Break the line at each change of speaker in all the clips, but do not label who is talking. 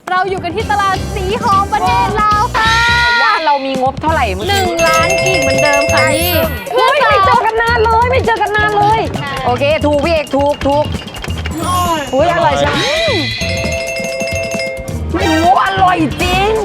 เราอยู่กันที่ตลาดสีหอมประเทศลาวค่ะ
ว่าเรามีงบเท่าไหร่
1 ล้านกีบเหมือนเดิมค่ะนี่
ไม่เจอกันนานเลยไม่เจอกันนานเลยโอเคถูกพี่เอกถูกอุ้ยอร่อยจังโอ้อร่อยจริง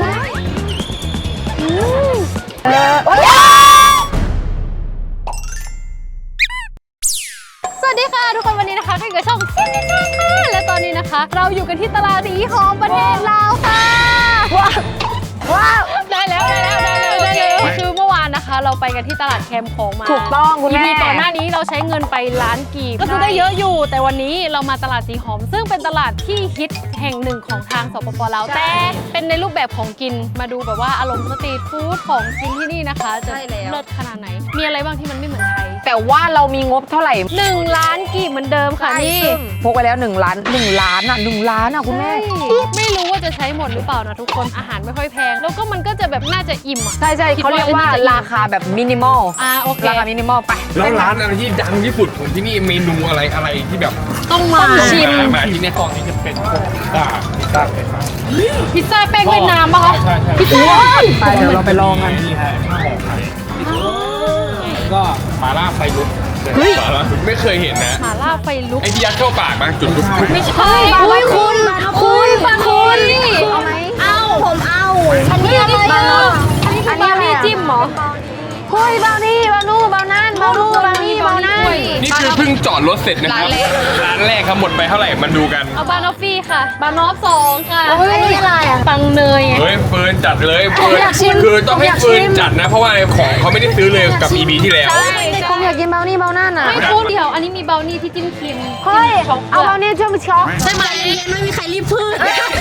สวัสดีค่ะทุกคนวันนี้นะคะก็อยู่กับช่องเซียนนิชาค่ะและตอนนี้นะคะ เราอยู่กันที่ตลาดสีหอมประเทศลาวค่ะว้าวได้แล้วคือเมื่อวานนะคะ เราไปกันที่ตลาดแคมป์ของมา
ถูกต้องคุณแม่
ก่อนหน้านี้เราใช้เงินไป1 ล้านกีบก็คือได้เยอะอยู่แต่วันนี้เรามาตลาดสีหอมซึ่งเป็นตลาดที่ฮิตแห่งหนึ่งของทางสปป.ลาวแต่เป็นในรูปแบบของกินมาดูแบบว่าอารมณ์สตรีทฟู้ดของกินที่นี่นะคะจะเลิศขนาดไหนมีอะไรบ้างที่มันไม่เหมือนไทย
แต่ว่าเรามีงบเท่าไหร่
1 ล้านกีบเหมือนเดิมค่ะนี่
พกไปแล้ว1 ล้านคุณแม่
ไม่รู้ว่าจะใช้หมดหรือเปล่านะทุกคนอาหารไม่ค่อยแพงแล้วก็มันก็จะแบบน่าจะอิ่มอ่ะ
ใช่เขาเรียกว่าราคาแบบมินิมอล
โอเค
ราคามินิมอลไป
แล้วร้านอะไรที่ดังที่สุดของที่นี่เมนูอะไรที่แบบ
ต้องมาชิม
มาที่นี่กองนี้จะเป็นพวกพิซซ่า
พิซซ่าแป้งเวียดนามป่ะคะพิซซ่า
ไปเดี๋ยวเราไปลองกัน
นี่ฮะข้าวหอมไข่แล้วก็มาล่าไฟลุกไม่เคยเห็นนะ
มาล่าไฟลุก
ไอ้ที่ยัดเข้าปากมาจุดลุก
ไม่ใช่อุ้ยคุณเอาไหมเอาผมเอาอันนี้อะไรอ่ะอันนี้อะไรจิ้มเหรอ
เฮ้ยเบานี่เบานู่เบานั่นเบานู่เบานี่เบานั่น
นี่คือเพิ่งจอดรถเสร็จนะครับร้านแรกครับหมดไปเท่าไหร่มาดูกัน
เอาบานอฟฟี่ค่ะบานอฟ2ค่ะ
อันนี้อะไรอ่ะ
ปังเนย
เฮ้ยเฟิร์นจัดเลยเฟิร์นคือต้องให้เฟิร์นจัดนะเพราะว่าของเขาไม่ได้ซื้อเลยกับ EB ที่แล้ว
ผมอยากกินเบานี่เบานั่นอ่ะ
ไม่พูดเดี๋ยวอันนี้มีเบานี่ที่จิ้มครีม
เฮ้ยเอาเบานี่ช่วยมาช็อก
ใช่ไหมไม่มีใครรีบพืช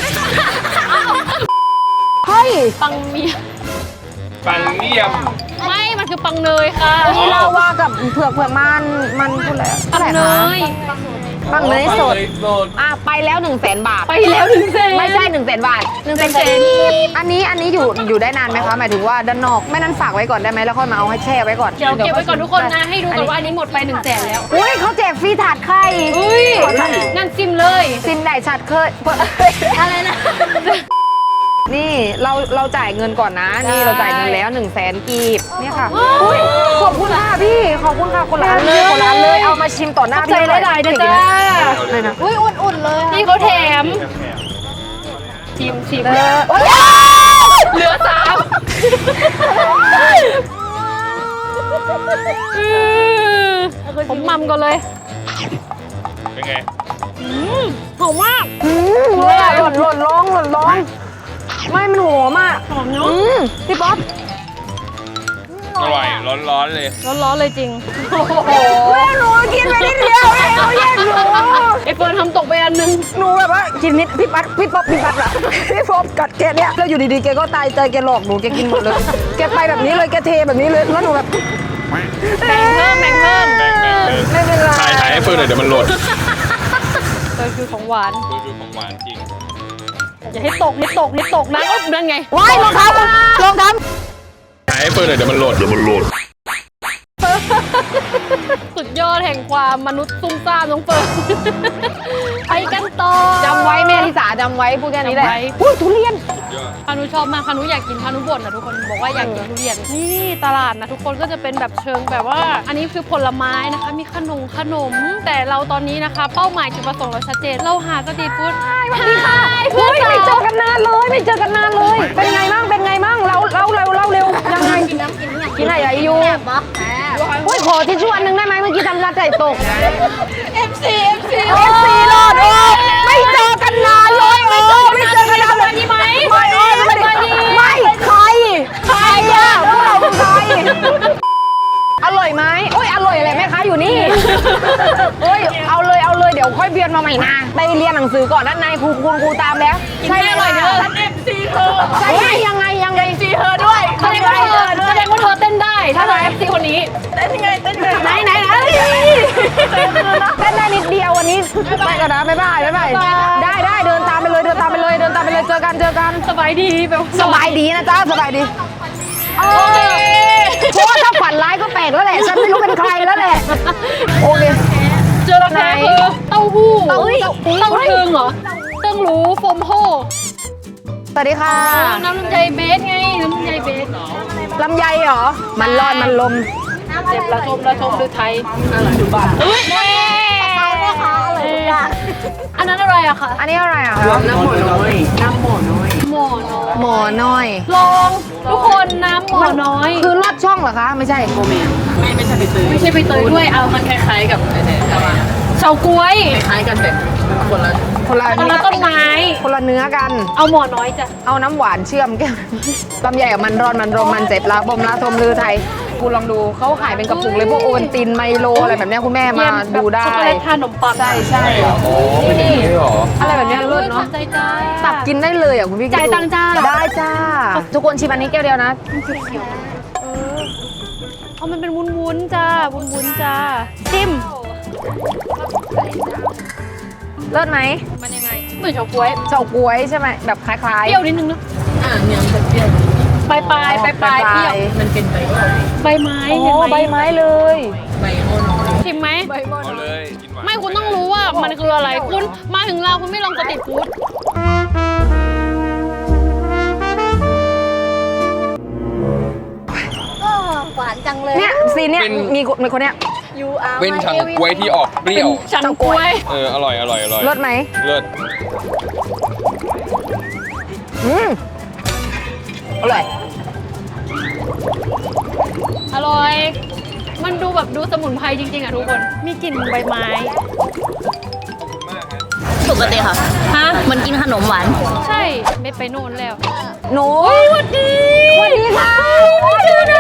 เฮ้ย
ปังเมีย
ปังเนียม
ไม่มันคือปังเนยค่ะ
นี่เราว่ากับเผือกมันพูดอะไร
ปังเนย
ปังเนยสดไปแล้ว100,000 บาท
ไปแล้ว100,000
ไม่ใช่100,000 บาท100,000อันนี้อยู่ได้นานไหมคะหมายถึงว่าด้านนอกไม่นั้นฝากไว้ก่อนได้ไหมแล้วค่อยมาเอาให้แช่ไว้ก่อน
เดี๋ยวเก็บไว้ก่อนทุกคนนะให้ดูก่อนว่าอันนี้หมดไป100,000แล้ว
อุ้ยเขาแจกฟรีถาดไข่
นั่นซิมเลย
ซิมไหนชัดเคย
อะไรนะ
นี่เราจ่ายเงินก่อนนะนี่เราจ่ายเงินแล้ว100,000 กีบเนี่ยค่ะขอบคุณค่ะพี่ขอบคุณค่ะคนร้านเลยเอามาชิมต่อหน้าพี่
ใจได้นะจ๊ะ
เลยนะ
อุ่นๆเลยนี่เขาแถมชิมเหลือ3ผมมัมก่อนเลย
เป็นไง
หอมมาก
หล่นร้องไม่มันหอมอ่ะพี่ป๊อป
อร่อยร้อนเลย
จริง
แม่หนูกินไปนิดเดียวเลยเขาแย่งหนู
ไอเฟิร์นทำตกไปอันนึง
หนูแบบว่ากินนิดพี่ป๊อปอะพี่ป๊อปกัดแกเนี่ยแล้วอยู่ดีๆแกก็ตายใจแกหลอกหนูแกกินหมดเลยแกไปแบบนี้เลยแกเทแบบนี้เลยแล้วหนูแบบ
แบ่งเพิ่ม
ไม่เป็นไร
ถ่ายให้เฟิร์นหน่อยเดี๋ยวมันหล่น
คือของหวาน
จริง
อย่าให้ตกนะนั่นไง
ว้ายลองทำ
ถ่ายให้เฟิร์นหน่อยเดี๋ยวมันหล่น
สุดยอดแห่งความมนุษย์ซุ่มซ่ามน้องเฟิร์นไปกันต่อ
จำไว้แม่ลิสาจำไว้พูดแค่นี้แหละอุ้ยทุเรียน
พานุชอบมากพานุอยากกินพานุบ่นนะทุกคนบอกว่าอยากกินทุเรียนนี่ตลาดนะทุกคนก็จะเป็นแบบเชิงแบบว่าอันนี้คือผลไม้นะคะมีขนมแต่เราตอนนี้นะคะเป้าหมายจุดประสงค์เราชัดเจนเราหาสตรีทฟู้ด
สวัสดีค่ะไม่เจอกันนานเลยเป็นไงมั่งเราเร็วยังไงกินอะไรอยู่โอ้ยขอทิชชู่อันนึงได้ไหมเมื่อกี้ทำร้านไก่ตก
FC
รอดไม่เจอกันนานเลยไม่เจอกันนานเลย
ดีไหม
ไม่ใครอ่ะพวกเราใครอร่อยไหมโอ้ยอร่อยอะไรแม่ค้าอยู่นี่โอ้ยเอาเลยเดี๋ยวค่อยเบียนมาใหม่นะไปเรียนหนังสือก่อนด้านในครูตามแล้ว
ใช่อร่อยเนอะ
FC เธอใช่ยังไง
FC เธอด้วยแสดงว่าเธอเต้นได้ถ้าเรา FC คนนี้
เต้นยังไงไหนเต้นได้นิดเดียววันนี้ไปกันนะบ๊ายบายได้เดินตามไปเลยเจอกัน
สบายดีแบบ
สบายดีนะจ๊ะสบายดีเพราะว่าถ้าฝันร้ายก็แปลกแล้วแหละฉันไม่รู้เป็นใครแล้วแหละโอเค
เจอแล้วคือเต้าหู้เต้าเทิงเหรอเติ้งหรูโฟมโฮ
สวัสดีค่ะ
น้ำลำไยเบสไง น้ำลำไยเบส
ลำไยเหรอ มันรอดมันลม
เจ็บระทมหรือไทยอะไรดูบ้านเฮ้ยแม่อันนั้นอะไรอะคะ
อันนี้อะไรอ่ะ
หมอน้อย
หมอน้อย
ลองทุกคนน้ำหมอน้อย
คือลอดช่องเหรอคะ ไม่ใช่โมเมน
ไม่ใช่ใบเตยด้วยเอามันคล้ายๆกับเฉาก๊วยคล้ายกันแบบคนละ
คนละ
ต้นไม้
คนละเนื้อกัน
เอาหมอน้อยจ้ะ
เอาน้ำหวานเชื่อมแก้วลำไยกับมันร้อนมันรมมันเจ็บละบมละทมลือไทยคุณลองดูเขาขายเป็นกระปุกเลยพวกโอวัลตินไมโลอะไรแบบเนี้ยคุณแม่มาดูได้
ช็อกโกแลตทานขนมปัง
ใช่ใช่
โอ้เป็นอย่างนี้เหรอ
อะไรแบบเนี้ยเลิศเนาะ
ใจจ้า
ตักกินได้เลยอ่ะคุณพี่
จ่ายตังค์จ้า
ได้จ้า ทุกคนชิมอันนี้แก้วเดียวนะ
เอามันเป็นวุ้นๆจ้าวุ้นๆจ้าจิ้ม
เลิศไหม
มันยังไงเหมือนเฉาก๊วย
เฉาก๊วยใช่ไหมแบบคล้าย
เปรี้ยวนิดนึงเนอะปลายปลายเปรี้ยวมันเป็นใบไม้
ๆโอ้
เห็นไหม
ใบไม้เลย
ชิมไหม
เอาเลยกินหวาน
ไม่คุณต้องรู้ว่ามันคืออะไรคุณมาถึงเราคุณไม่ลองสตรีทฟู้ด
หวานจังเลย
เนี่ยซีนเนี่ยมีคนเนี้ย
เป็นฉังกล้วยที่ออกเปรี้ยว
ฉันกล้วย
อร่อยอร่อยอร่อย
เลิศไหม
เลิศ
อืมอร่อย
อร่อย มันดูแบบดูสมุนไพรจริงๆอ่ะทุกคน มีกลิ่นใบไม้
ปกติค่ะ
ฮะ
มันกินขนมหวาน
ใช่ไม่ไปโน่นแล้ว
หนู
สวัสดี
สวัสดีค่ะ
ชื่อนะ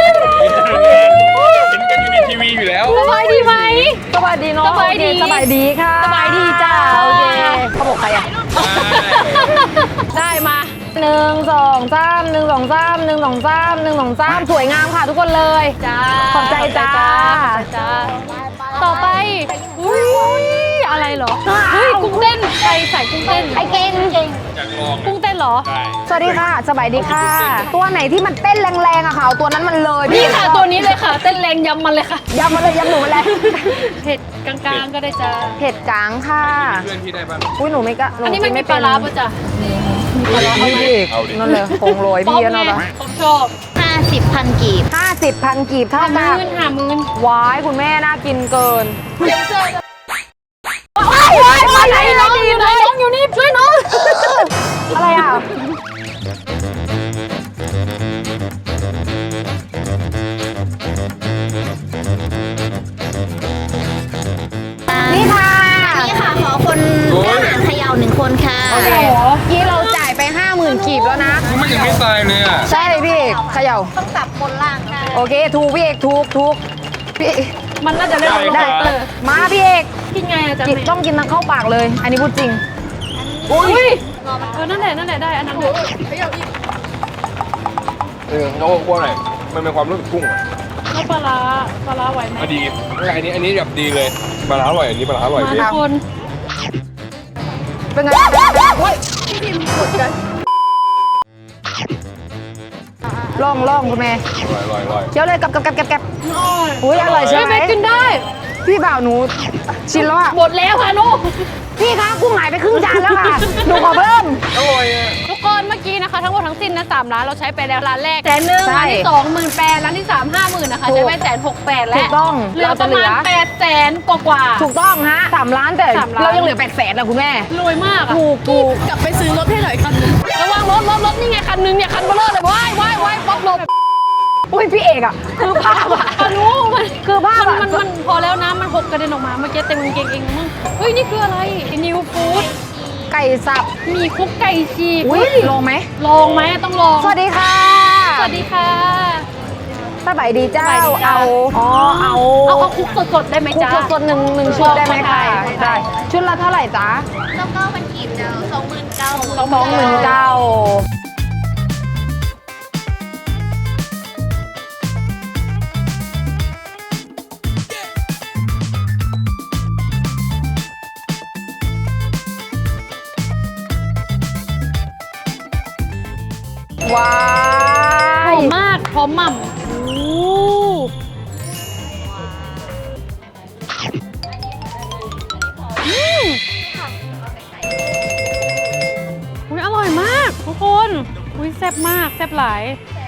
เห็นกันอยู่ในทีวีอยู่แล้ว
สบายดีไหม
สวัสดีเนาะ
สบายดี
โอเคสบายดีค่ะ
สบายดีจ้า
โอเคเขาบอกใครอ่ะ
ได้มา
1 2 3 1 2 3 1 2 3 1 2 3สวยงามค่ะทุกคนเลย
จ้า
ขอบใจจ้า
ขอบใจจ้า ต่อไปอุ้ยอะไรเหรอ เฮ้ยกุ้งเต้นใครใส่กุ้งเต้น
ไอเก่ง
อยากลอง
กุ้งเต้นเหรอ
ได้
สวัสดีค่ะ สบายดีค่ะ ตัวไหนที่มันเต้นแรงๆอะค่ะเอาตัวนั้นมันเลย
นี่ค่ะตัวนี้เลยค่ะ เต้นแรงยำมันเลยค่ะ
ยำมาเลยยำหนูมาเลย
เผ็ดกลางๆก็ได้จ้า
เผ็ดกลางค่ะ
เพื่อนพี่ได้ป่ะ
อุ้ยหนูไม่กะหนู
อันนี้มัน
กิ
มีปลาร้าป่ะจ้ะ
เอาดิ
เอาดิ
นั่นเลยโคงโรยพี่แล้วเนาะ
ผมชอบ
50 พันกีบ
50,000 กีบเท่า
หา
กับ
มื่นหามื่น
ว้ายคุณแม่น่ากินเกิน
มาไหนน้องอยู่ไหนน้องอยู่นี่ช่วยน้อง
อะไรอ่ะ นี่ค่ะ
นี่ค่ะ ขอคนกล้าหาญเขย่า1 คนค่ะ
โอเคยี่เราจ่ายไป 50,000 กีบแล้วนะ
มันยังไม่ตายเลยอ่ะ
ใช่พี่เอกเขย่า
ต้องจับบนล่างค่ะ
โอเค ถูกพี่เอกถูกพี่เอก
มันน่าจะเล่น
ได้
เตอร์
มาพี่เอก
กินไงอาจาร
กิน
ย์
ต้องกินทั้งเข้าปากเลย อันนี้พูดจริง
อุ้ยนั่นแหละได้อันนั้นแหละ
เขาบอกว่าอะไรมันเป็นความรู้สึกกุ้งอ่ะ
แล้วปลาร้าไหวไหม
ดีอันนี้แบบดีเลยปลาร้าอร่อยอันนี้ปลาร้าอร่อย
มา
พี่
ทุกคน
เป็นไงโอ้ยลองคุณแม่
อร่อย
เคี้ยวเลยกับอุ้ยอร่อยใช่ไหม
ไม่กินได้
พี่บ่าวหนูชินแล้วอ่ะ
หมดแล้วค่ะนุ
พี่คะกุ้งหายไปครึ่งจานแล้วค่ะ หนูขอเพิ่ม
อร่อยอ่ะ
ทุกคนเมื่อกี้นะคะทั้งหมดทั้งสิ้นนะ3 ร้านเราใช้ไปแล้วร้านแรก100,000
ใช่
ร้านที่2 18,000ร้านที่3 50,000นะคะ
ถูก
ใช้ไป168,000แล้ว
ถูกต้อง
เหลือ
เรา
ป
จะ
ระ
เหลื
มาณ
อ
800,000กว่า
ถูกต้องฮะ3 ล้านแต่
3 ล้าน
เรายังเหลือ800,000นะคุณแม่
รวยมากอะ
ถูก
กลับไปซื้อรถให้หน่อยคันนึงระวังรถนี่ไงคันนึงเนี่ยคันเบลอเลยว้ายป๊อปลบ
อุ้ยพี่เอกอ่ะคือภาพอ่ะ
คันนู้มัน
คือภาพอะ
มันพอแล้วนะมันหกกระเด็นออกมาเมื่อกี้เต็มกางเกงเองมั้งเฮ้ยนี่คืออะไรนิวฟู้ด
ไก่สับ
มีคุกไก่ฉีก
อุ้ย
เฮ้ย
ลงไหม
ลองไหมต้องลอง
สวัสดีค่ะ
สวัสดีค่ะ
สบายดีเจ้า
สบายดีจ้า
เอา
เอาคุกสดๆได้ไหม
คุก
จ๊ะ
สดๆหนึ่งชุดได้ไหมคะ
ได้
ชุดละเท่าไหร่จ๊ะ
แล้วก็มันกีบเดียว29,000
29,000ว้า
หอย มมากพร้อมหม่ำโอ้อุ๊ยอร่อยมากทุกคนอุ้ยแซ่บมากแซ่บหลาย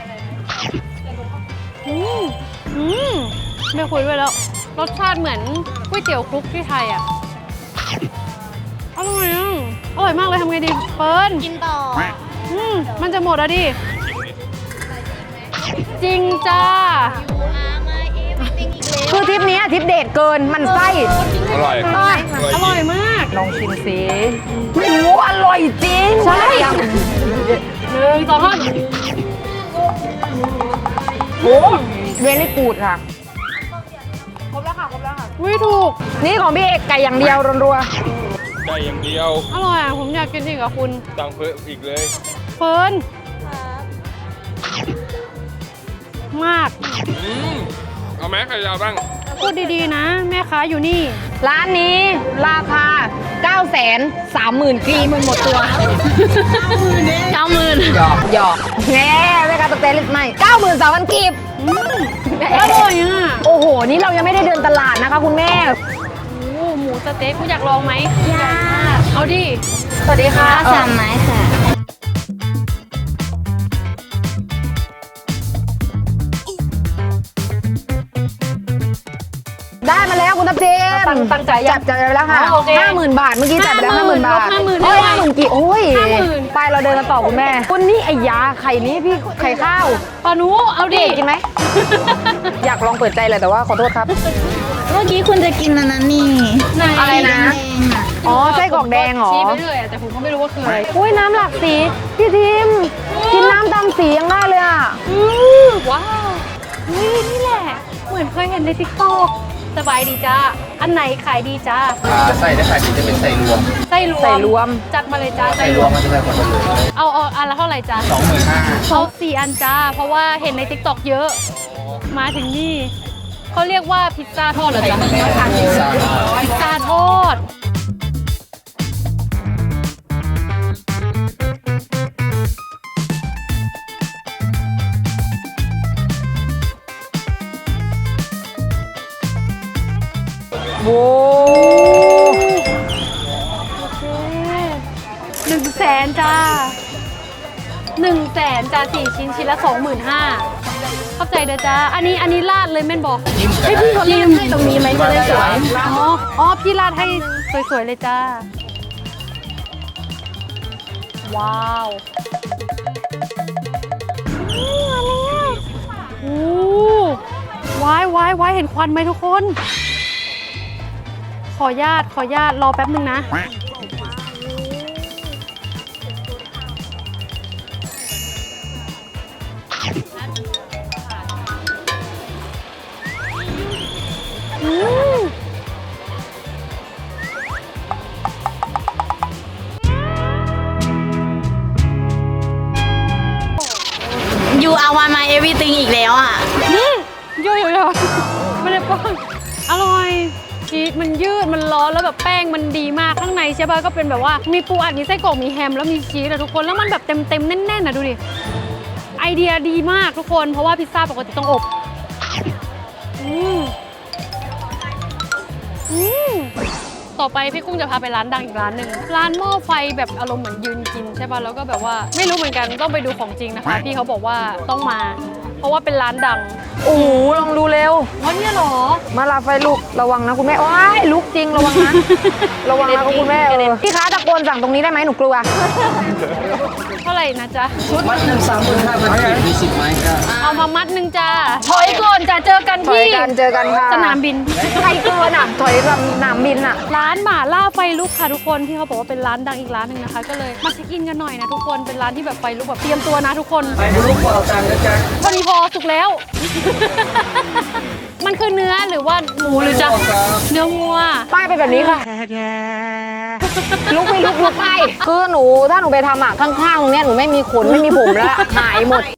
ไม่คุยด้วยแล้วรสชาติเหมือนก๋วยเตี๋ยวคลุกที่ไทยอ่ะอร่อยอ่ะอร่อยมากเลยทำไงดีเฟิร์น
กินต่อ
มันจะหมดแล้วดิจริงจ้า
คือทริปนี้ทริปเดทเกินมันไส้
อร่อย
อร่อยมาก
ลองชิมสิโอ้โหอร่อยจริงใช่
1 2 3
โอ้เวลี่กูดค่ะ
อุ้ยถูก
นี่ของพี่เอกไก่อย่างเดียวรัว
ไก่อย่างเดียว
อร่อยอ่ะผมอยากกินอีกกับคุณ
ตังเพิ่มอีกเลย
เฟิร์นมาก
เอาแม็กไก่ยาวบ้าง
พูดดีๆนะ แม่ค้าอยู่นี่
ๆร้านนี้ราคา 930,000 กรีมันหมดตัว
90,000
หยอกแง่ไม่การตกแต่ลิสต์ใหม่93,000 กรีบ
อร่อยอ่ะ
โอ้โห นี่เรายังไม่ได้เดินตลาดนะคะคุณแม่
โอ้หมูสะเต๊กคุณอยากลองไหมอยากเอาดิ
สวัสดีค่ะ
3 ไม้ค่ะ
ได้มาแล้วคุณทัพเจม
ตั้งใจยัง
จัดไปแล้วค่ะ
อ๋อโอเค
50,000 บาทเมื่อกี้จัดไปแล้ว 50,000 บาท
50,000
โอ้ย50,000กี่โอ้ย
50,000
ไปเราเดินกันต่อคุณแม่คุณนี่ไอ้ยาไข่นี้พี่ไข่ข้าว
ปานุเอาดิ
กินไหม อยากลองเปิดใจเลยแต่ว่าขอโทษครับ
เมื่อกี้คุณจะกินอันนั้นนี่
ไหน
อะไรนะ
แดงๆอ่ะ
อ๋อไส้กรอกแดงเหรอ
ชี้ไปเรื่อยอะแต่ผมก็ไม่รู้ว่าคืออะไร
อุ้ยน้ำหลากสีพี่ทิมกินน้ำตามสียังได้เลยอ่ะ
ว้าวนี่แหละ เหมือนเคยเห็นในทิกตอกสบายดีจ้า อันไหนขายดีจ้า
จะใส่ได้ขายดีจะเป็นใส่รวม
ไส้รวม
ใส่รวม
จัดมาเลยจ้า
ใส่รวมมันจะได้คนละเลย
เอาอันละเท่าไหร่จ้า
25,000
เอา4 อันจ้า เพราะว่าเห็นในทิกตอกเยอะ มาถึงนี่เขาเรียกว่าพิซซ่าทอดเหรอจ๊ะพิซซ่าทอด
โว้
100,000จ้า100,000จ้า4 ชิ้นชิ้นละ 25,000เข้าใจเด้อจ้าอันนี้ราดเลยแม่นบอกให้พี่เขาราดให้ตรงนี้ไหมจะได้สวยอ๋อพี่ราดให้สวยๆเลยจ้าว้าวโอ้ว้ายเห็นควันไหมทุกคน ขอญาตรอแป๊บนึงนะ
You are one my everything อีกแล้วอ่ะ
โยไม่ได้ป้องอร่อยชีสมันยืดมันร้อนแล้วแบบแป้งมันดีมากข้างในใช่ป่ะก็เป็นแบบว่ามีปูอัดมีไส้กรอกมีแฮมแล้วมีชีสอะทุกคนแล้วมันแบบเต็มแน่นๆนะดูดิไอเดียดีมากทุกคนเพราะว่าพิซซ่าปกติต้องอบต่อไปพี่กุ้งจะพาไปร้านดังอีกร้านหนึ่งร้านหม้อไฟแบบอารมณ์เหมือนยืนกินใช่ป่ะแล้วก็แบบว่าไม่รู้เหมือนกันต้องไปดูของจริงนะคะพี่เขาบอกว่าต้องมา เพราะว่าเป็นร้านดัง
โอ้โหลองดูเร็ว
ว่าเนี่ยเหรอ
มาลาไฟลุกระวังนะคุณแม่ว้ายลุกจริงระวังนะ ระวังนะคุณแม่พี่ค้าตะโกนสั่งตรงนี้ได้ไหมหนูกลัว
เท่าไหร่นะจ๊ะ
มัดหนึ่ง35,000มี10 ไม้ครับ
เอามามัดหนึ่งจ้าถอยก่อนจะเจอกัน
ถอย
ที่
กันเจอกันค่ะ
สนามบิน
ใครเกินอ่ะถอยสนามบินอ่ะ
ร้านหม่าล่าไฟลุกค่ะทุกคนที่เขาบอกว่าเป็นร้านดังอีกร้านหนึ่งนะคะ ก็เลยมาเช็คอินกันหน่อยนะทุกคนเป็นร้านที่แบบไฟลุกแบบเตรียมตัวนะทุกคน
ไปดูลูกเปล่าจานนะจ๊ะ
พอดีพอสุกแล้ว มันคือเนื้อหรือว่าหมูหรือจะเนื้องัว
ป้ายเป็นแบบนี้ค่ะลุกไปลุกไปคือหนูถ้าหนูไปทำอ่ะข้างๆตรงเนี้ยหนูไม่มีขนไม่มีผมแล้วหายหมด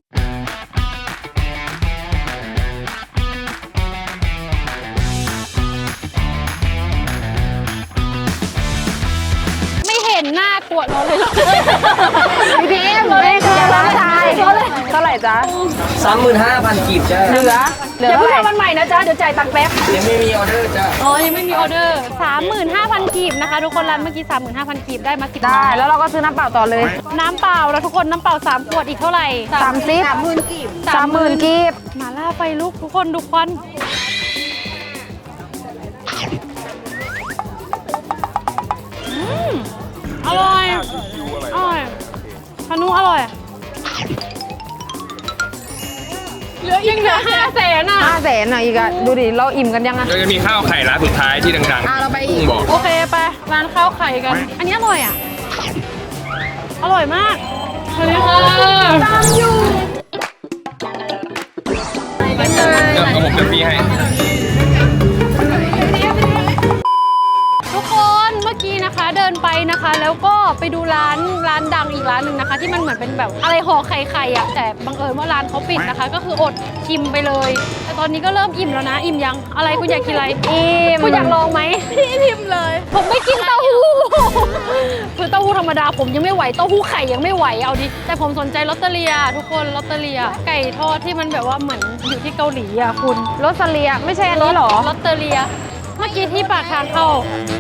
ไม่เห็นหน้ากวดเราเลย
พี่พิมพ์ไม่เคยร้านชายเท่าไหร่จ๊ะ
35,000 กีบจ้า
เหลืออย่าเพิ่งทำวันใหม่นะจ๊ะเดี๋ยวจ่ายตังค์แป๊บ
ยังไม่มีออเดอร์จ้า
อ๋อ ยังไม่มีออเดอร์ 35,000 กีบนะคะ ทุกคนร้านเมื่อกี้ 35,000 กีบได้มา10
ได้แล้วเราก็ซื้อน้ำเปล่าต่อเลย
น้ำเปล่าแล้วทุกคนน้ำเปล่า3 ขวดอีกเท่าไหร่
30
กีบ
30,000กีบ
มาล่าไฟลุกทุกคนดูควันอร่อย อร่อยพานุอร่อย เหลือ500,000อ่ะ
500,000อ่ะอีกอ่ะดูดิเราอิ่มกันยังอ่ะ
แล้วจะมีข้าวไข่ร้านสุดท้ายที่ดังๆ
เราไปอีก
กุ้งบอก
โอเคไปร้านข้าวไข่กัน อันนี้อร่อยอ่ะ อร่อยมากสวัสดีค่ะตามอยู่
เดี๋ยวผมจะมีให้
ทุกคนเมื่อกี้นะคะเดินไปนะคะ แล้วก็ไปดูร้านดังอีกร้านหนึ่งนะคะ ที่มันเหมือนเป็นแบบอะไรห่อไข่อะแต่บังเอิญว่าร้านเขาปิดนะคะ ก็คืออดชิมไปเลย แต่ตอนนี้ก็เริ่มอิ่มแล้วนะ อิ่มยังอะไรคุณอยากกินอะไร
อิ่ม
คุณอยากลองไหมพี่อิ่มเลย ผมไม่กินเต้าหู้คือเต้าหู้ธรรมดาผมยังไม่ไหวเต้าหู้ไข่ยังไม่ไหวเอาดิแต่ผมสนใจลอตเตอเรียทุกคนลอตเตอเรียไก่ทอดที่มันแบบว่าเหมือนอยู่ที่เกาหลีอะคุณ
โรสเลียไม่ใช่อันนี้หรอ
ลอตเตอเรียเมื่อกี้ที่ปากทางเข้า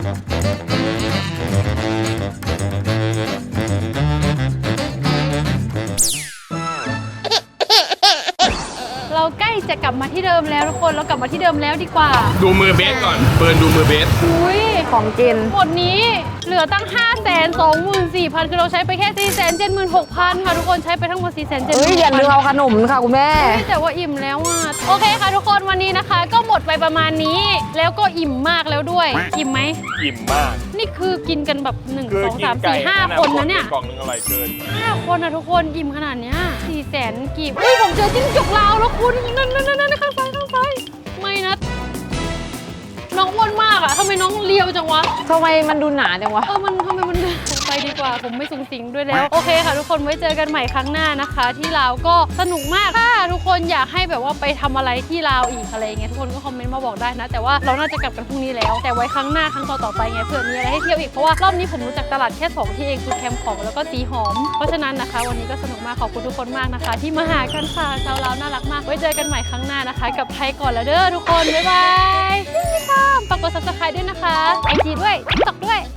เราใกล้จะกลับมาที่เดิมแล้วทุกคนเรากลับมาที่เดิมแล้วดีกว่า
ดูมือเบสก่อนเปิดดูมือเบส
อุ้ย
ของกิน
หมดนี้เหลือตั้ง 524,000 คือเราใช้ไปแค่ 476,000 ค่ะทุกคนใช้ไปทั้งหมด 476,000
เอ้ยอย่าลืมเอาขนมค่ะคุณแม่
แต่ว่าอิ่มแล้วอ่ะโอเคค่ะทุกคนวันนี้นะคะ ก็หมดไปประมาณนี้ แล้วก็อิ่มมากแล้วด้วยอิ่มไหม
อิ่มมาก
นี่คือกินกันแบบ1 2 3 4 5 คนนะเนี่ย
กล่องนึงอร่อยเกิน
5 คนนะทุกคนอิ่มขนาดเนี้ย400,000 กีบเฮ้ยผมเจอจิ้งจกลาวแล้วคุณนั่นข้างซ้ายไม่นะน้องอ้วนมากอะทำไมน้องเลียวจังวะ
ทำไมมันดูหนาจังวะ
ทำไมมันไปดีกว่าผมไม่สูงสิงด้วยแล้วโอเคค่ะทุกคนไว้เจอกันใหม่ครั้งหน้านะคะ ที่ลาวก็สนุกมากถ้าทุกคนอยากให้แบบว่าไปทำอะไรที่ลาวอีกอะไรเงี้ยทุกคนก็คอมเมนต์มาบอกได้นะ แต่ว่าเราน่าจะกลับกันพรุ่งนี้แล้ว แต่ไว้ครั้งหน้าครั้งต่อๆไปไงเผื่อมีอะไรให้เที่ยวอีกเพราะว่ารอบนี้ผมรู้จักตลาดแค่2ที่เองคือแคมป์ของแล้วก็สีหอมเพราะฉะนั้นนะคะ วันนี้ก็สนุกมากขอบคุณทุกคนมากนะคะ ที่มาหากันค่ะชาวลาวน่ารักมากไว้เจอกันใหม่ครั้งหน้านะคะ กับไทยก่อนแล้วเด้อทุกคนบ๊ายบายฝากกด subscribe ด้วยนะคะ IG ด้วย TikTok ด้วย